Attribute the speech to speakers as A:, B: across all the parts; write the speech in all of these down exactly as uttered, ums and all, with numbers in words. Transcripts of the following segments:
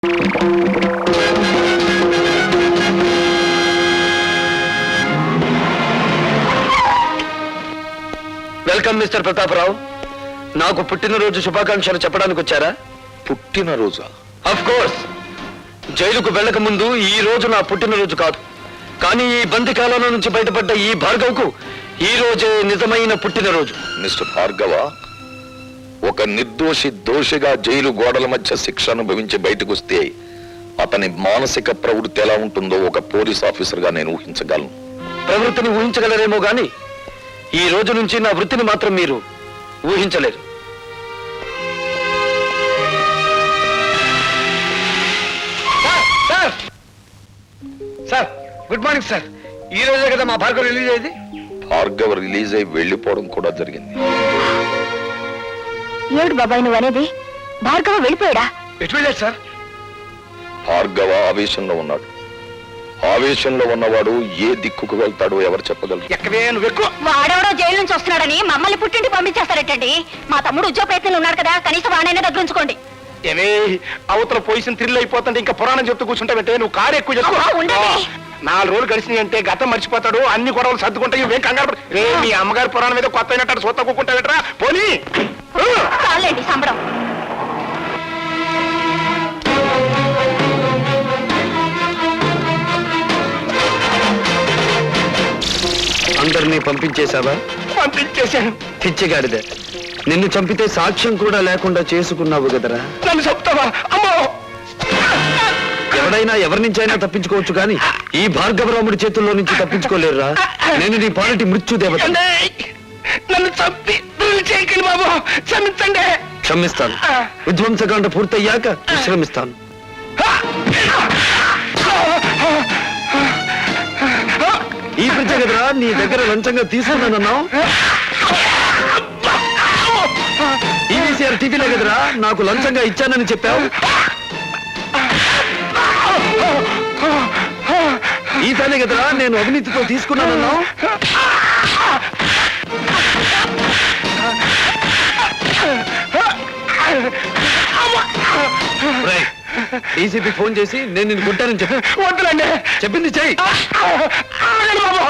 A: Welcome mister Pratap Rao. నాకు పుట్టినరోజు శుభాకాంక్షలు చెప్పడానికి వచ్చారా?
B: పుట్టినరోజా?
A: Of course. జైలుకు వెళ్ళక ముందు ఈ రోజు నా పుట్టినరోజు కాదు, కానీ ఈ బంది కాలంలో నుంచి బయటపడ్డ ఈ భార్గవ్కు ఈ రోజే నిజమైన పుట్టినరోజు.
B: మిస్టర్ భార్గవ, ఒక నిర్దోషి దోషిగా జైలు గోడల మధ్య శిక్ష అనుభవించి బయటకు వస్తే అతని మానసిక ప్రవృత్తి ఎలా ఉంటుందో ఒక పోలీస్ ఆఫీసర్ గా నేను ఊహించగలను.
A: ప్రవృత్తిని ఊహించగలరేమో గాని ఈ రోజు నుంచి నా వృత్తిని మాత్రం మీరు ఊహించలేరు. Sir sir good morning sir. ఈ రోజే కదా మా భార్గవ్ రిలీజ్ అయ్యేది.
B: భార్గవ్ రిలీజ్ అయి వెళ్లిపోవడం కూడా జరిగింది.
C: ఏడు బాబాయ్ నువ్వు అనేది? భార్గవ వెళ్ళిపోయాడా?
A: ఎటు వెళ్ళాడు సార్?
B: భార్గవ ఆవేశంలో ఉన్నాడు. ఆవేశంలో ఉన్నవాడు ఏ దిక్కుకు వెళ్తాడో ఎవరు చెప్పగలరు?
A: ఎక్కడే నువ్వు ఎక్కువ.
C: వాడెవడో జైలు నుంచి వస్తున్నాడని మమ్మల్ని పుట్టింటి పంపించేస్తారటండి. మా తమ్ముడు ఉద్యోగ ప్రయత్నంలో ఉన్నాడు కదా, కనీసం వాడైనా దగ్గర ఉంచుకోండి.
A: ఏమే అవతల పొజిషన్ థ్రిల్ అయిపోతుంటే ఇంకా పురాణం చెప్తూ కూర్చుంటావంటే నువ్వు కారు ఎక్కువ చెప్తావు. నాలుగు రోజులు గడిచినాయి అంటే గతం మర్చిపోతాడు, అన్ని గొడవలు సర్దుకుంటాయి. ఇవేం కంగారు రే, మీ అమ్మగారి పురాణం మీద కొత్త అయినట్టు సొత్త కూకుంటావేట్రా పోనీ.
C: చాలండి సంబడం.
A: అందరినీ పంపించేశావా?
D: పంపించేశాను.
A: పిచ్చిగాడిదే, నిన్ను చంపితే సాక్ష్యం కూడా లేకుండా చేసుకున్నావు కదరా.
D: నన్ను చెప్తావా? అమ్మో,
A: ఎవడైనా ఎవరి నుంచైనా తప్పించుకోవచ్చు కానీ ఈ భార్గవరాముడి చేతుల్లో నుంచి తప్పించుకోలేరురా. నేను నీ పాలిటి మృత్యు దేవత.
D: నన్ను చంపి చేయకండి బాబు, క్షమించండి.
A: క్షమిస్తాను. విధ్వంసకాండ పూర్తయ్యాక విశ్రమిస్తాను. ఈ పిచ్చ కదరా నీ దగ్గర లంచంగా తీసుకున్నానన్నావు. ఈవీసీఆర్ టీవీలో కదరా నాకు లంచంగా ఇచ్చానని చెప్పావు. ఈ పనే కదరా నేను అవినీతితో తీసుకున్నానన్నావు. డీసీపీ ఫోన్ చేసి నేను నిన్ను కొట్టానని చెప్పి
D: వద్దులండి,
A: చెప్పింది చెయ్యి.
D: బాబు.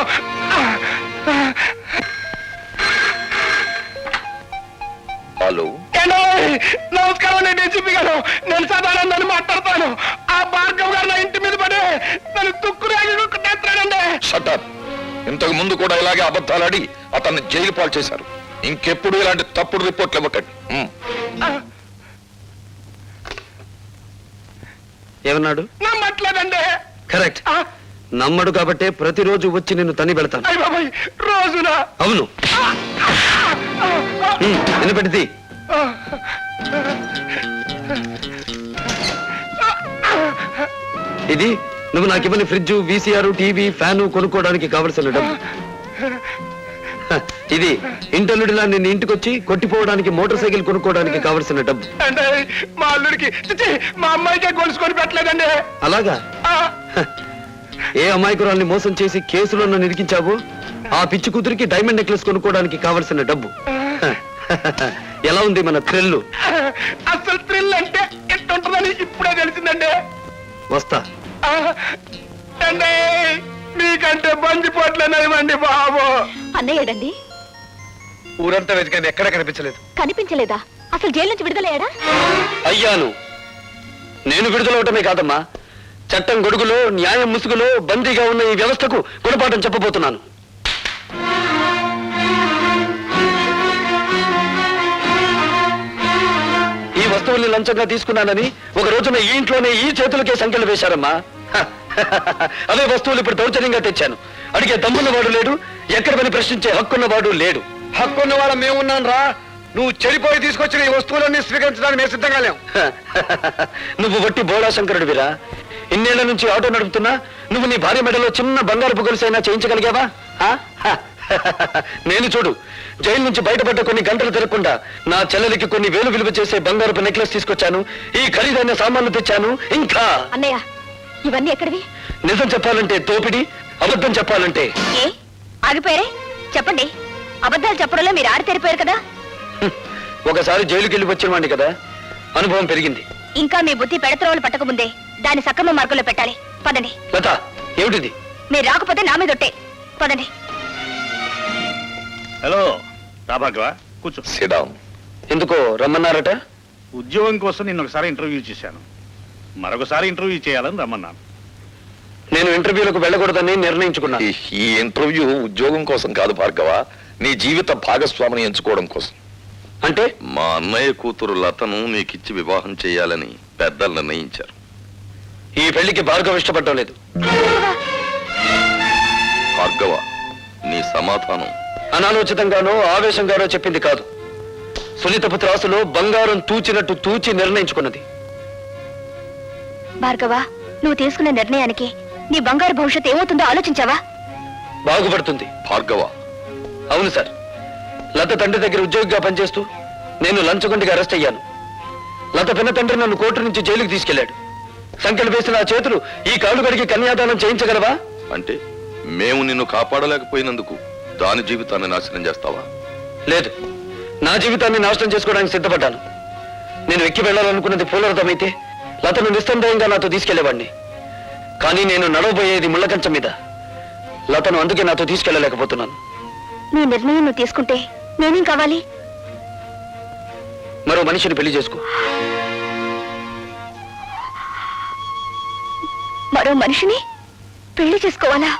B: హలో,
D: నమస్కారం అండి డీసీపీ గారు. నేను సదానందని మాట్లాడతాను. ఆ భార్గవ్ గారు నా ఇంటి మీద పడి నన్ను తుక్కురాగిస్తాడండి.
B: షటప్. ఇంతకు ముందు కూడా ఇలాగే అబద్ధాలాడి అతన్ని జైలు పాలు చేశారు. ఇంకెప్పుడు ఇలాంటి తప్పుడు రిపోర్ట్లు ఇవ్వకండి.
A: ఏమన్నాడు?
D: నమ్మట్లేదండి.
A: కరెక్ట్. నమ్మడు కాబట్టే ప్రతిరోజు వచ్చి నిన్ను తని పెడతాను.
D: అయ్య బాబాయ్, రోజునా?
A: అవును. వినపెడితే ఇది నువ్వు నాకు ఇవ్వని ఫ్రిడ్జ్, వీసీఆర్, టీవీ, ఫ్యాను కొనుక్కోవడానికి కావలసిన డబ్బు. ఇది ఇంటర్లుడిలా నిన్ను ఇంటికొచ్చి కొట్టిపోవడానికి మోటార్ సైకిల్ కొనుక్కోవడానికి కావలసిన డబ్బు.
D: అంటే మా అల్లుడికి మా అమ్మాయికే గొలుసుకొని పెట్టలేదండి.
A: అలాగా? ఏ అమాయకురాల్ని మోసం చేసి కేసులో నన్ను ఇరికించావు? ఆ పిచ్చి కూతురికి డైమండ్ నెక్లెస్ కొనుక్కోవడానికి కావలసిన డబ్బు. ఎలా ఉంది మన థ్రిల్?
D: అసలు థ్రిల్ అంటే ఎట్టుంటుందని ఇప్పుడే తెలిసిందండి.
A: వస్తా.
D: అంటే మీకంటే బందిపోట్లేనివ్వండి బాబు.
C: అన్నయ్యడండి.
A: ఊరంతా వెతికాను, ఎక్కడా కనిపించలేదు.
C: కనిపించలేదా? అసలు జైలు నుంచి విడుదలయ్యాడా?
A: అయ్యాను. నేను విడుదలవటమే కాదమ్మా, చట్టం గొడుగులో న్యాయం ముసుగులో బందీగా ఉన్న ఈ వ్యవస్థకు గుణపాఠం చెప్పబోతున్నాను. ఈ వస్తువుల్ని లంచంగా తీసుకున్నానని ఒక రోజున ఈ ఇంట్లోనే ఈ చేతులకే సంఖ్యలు వేశారమ్మా. అవే వస్తువులు ఇప్పుడు దౌర్జన్యంగా తెచ్చాను. అడిగే దమ్మున్నవాడు లేడు, ఎక్కడ పని ప్రశ్నించే హక్కున్నవాడు లేడు.
D: హక్కున్న వాళ్ళ మేమున్నాను రా. నువ్వు చెడిపోయి తీసుకొచ్చిన ఈ వస్తువులన్నీ స్వీకరించడానికి మేము సిద్ధంగా లేవు.
A: నువ్వు వట్టి బోడా శంకరుడివిరా. ఇన్నేళ్ల నుంచి ఆటో నడుపుతున్నా నువ్వు నీ భార్య మెడలో చిన్న బంగారు గొలుసైనా చేయించగలిగావా? నేను చూడు, జైలు నుంచి బయటపడ్డ కొన్ని గంటలు తిరగకుండా నా చెల్లెలికి కొన్ని వేలు విలువ చేసే బంగారపు నెక్లెస్ తీసుకొచ్చాను, ఈ ఖరీదైన సామాన్లు తెచ్చాను. ఇంకా
C: అన్నయ్య, ఇవన్నీ ఎక్కడివి?
A: నిజం చెప్పాలంటే తోపిడి, అబద్ధం చెప్పాలంటే
C: ఏ ఆగిపోయారే? చెప్పండి. అబద్ధాలు చెప్పడంలో మీరు ఆడి తెరిపోయారు కదా.
A: ఒకసారి జైలుకి వెళ్ళి వచ్చిన వాడిని కదా, అనుభవం పెరిగింది.
C: ఇంకా మీ బుద్ధి పెడత్రోలు పట్టక ముందే దాని సక్రమ మార్గంలో పెట్టాలి. పదండి.
D: లత ఏమిటిది?
C: మీరు రాకపోతే నా మీద ఒట్టే. పదండి.
E: హలో రాభాగవ, కూర్చో.
B: సిడాం.
D: ఎందుకో రమ్మన్నారట?
E: ఉద్యోగం కోసం నిన్న ఒకసారి ఇంటర్వ్యూ చేశాను, మరొకసారి ఇంటర్వ్యూ చేయాలని రమ్మన్నాను.
D: నేను ఇంటర్వ్యూలకు వెళ్ళకూడదని నిర్ణయించుకున్నాను.
B: ఈ- ఈ ఇంటర్వ్యూ ఉద్యోగం కోసం కాదు భార్గవ, నీ జీవిత భాగస్వామిని ఎంచుకోవడం కోసం.
D: అంటే
B: మా అన్నయ్య కూతురు లతను నీకిచ్చి వివాహం చేయాలని పెద్దలు నిర్ణయించారు.
D: ఈ పెళ్లికి భార్గవ ఇష్టపడటం లేదు.
B: భార్గవ, నీ సమాధానం.
D: అనాలోచితంగానో ఆవేశంగానో చెప్పింది కాదు. సునీతపు త్రాసులో బంగారం తూచినట్టు తూచి నిర్ణయించుకున్నది.
C: భార్గవ, నువ్వు తీసుకున్న నిర్ణయానికి నీ బంగారు భవిష్యత్తు ఏమవుతుందో ఆలోచించావా?
D: బాగుపడుతుంది.
B: భార్గవ,
D: అవును సార్, లత తండ్రి దగ్గర ఉద్యోగిగా పనిచేస్తూ నేను లంచగొండిగా అరెస్ట్ అయ్యాను. లత పిన్న తండ్రి నన్ను కోర్టు నుంచి జైలుకి తీసుకెళ్లాడు. సంఖ్యలు వేసిన ఆ చేతులు ఈ కాళ్ళు కడిగి కన్యాదానం చేయించగలవా?
B: అంటే మేము నిన్ను కాపాడలేకపోయినందుకు దాని జీవితాన్ని నాశనం చేస్తావా?
D: లేదు, నా జీవితాన్ని నాశనం చేసుకోవడానికి సిద్ధపడ్డాను. నేను ఎక్కి వెళ్ళాలనుకున్నది పూలరథమైతే లతను నిస్సందేహంగా నాతో తీసుకెళ్లేవాడిని. కానీ నేను నడవబోయేది ముళ్ళకంచం మీద. లతను అందుకే నాతో తీసుకెళ్లలేకపోతున్నాను.
C: నీ నిర్ణయం నువ్వు తీసుకుంటే నేనేం కావాలి?
D: మరో మనిషిని పెళ్లి చేసుకో.
C: మరో మనిషిని పెళ్లి చేసుకోవాలా?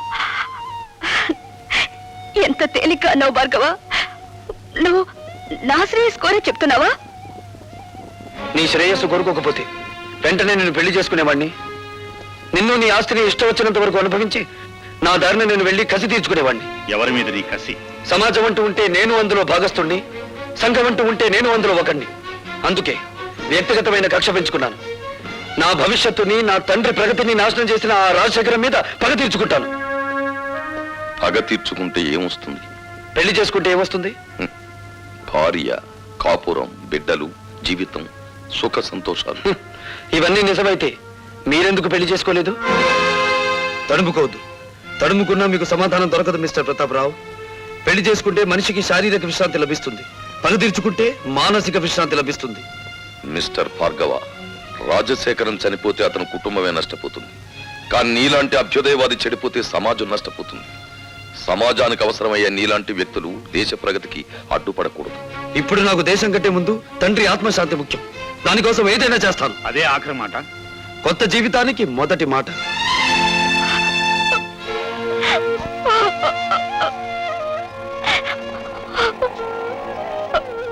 C: ఎంత తేలిక అన్నావు భార్గవ. నువ్వు నా శ్రేయస్ కోరే చెప్తున్నావా?
D: నీ శ్రేయస్సు కోరుకోకపోతే వెంటనే నేను పెళ్లి చేసుకునేవాడిని. నిన్ను నీ ఆస్తిని ఇష్టం వచ్చినంత వరకు అనుభవించి నా దారిని నేను వెళ్లి కసి తీర్చుకునేవాడిని.
E: ఎవరి మీద నీ కసి?
D: సమాజం అంటూ ఉంటే నేను అందులో భాగస్తుణ్ణి, సంఘం అంటూ ఉంటే నేను అందులో ఒకణ్ణి. అందుకే వ్యక్తిగతమైన కక్ష పెంచుకున్నాను. నా భవిష్యత్తుని, నా తండ్రి ప్రగతిని నాశనం చేసిన ఆ రాజశేఖరం మీద పగ తీర్చుకుంటాను.
B: పగ తీర్చుకుంటే ఏమొస్తుంది?
D: పెళ్లి చేసుకుంటే ఏమొస్తుంది?
B: భార్య, కాపురం, బిడ్డలు, జీవితం, సుఖ సంతోషాలు.
D: హ్మ్. ఇవన్నీ నిజమైతే మీరెందుకు పెళ్లి చేసుకోలేదు? తడుముకోవద్దు. తడుముకున్నా మీకు సమాధానం దొరకదు మిస్టర్ ప్రతాపరావు. పెళ్లి చేసుకుంటే మనిషికి శారీరక విశ్రాంతి లభిస్తుంది, పగ తీర్చుకుంటే మానసిక విశ్రాంతి లభిస్తుంది.
B: మిస్టర్ భార్గవ, రాజశేఖరం చనిపోతే అతని కుటుంబమే నష్టపోతుంది. కానీ నీలాంటి అభ్యుదయవాది చెడిపోతే సమాజం నష్టపోతుంది. సమాజానికి అవసరమయ్యే నీలాంటి వ్యక్తులు దేశ ప్రగతికి అడ్డుపడకూడదు.
D: ఇప్పుడు నాకు దేశం కంటే ముందు తండ్రి ఆత్మశాంతి ముఖ్యం. దానికోసం ఏదైనా చేస్తాను.
E: అదే ఆఖరి మాట.
D: కొత్త జీవితానికి మొదటి మాట.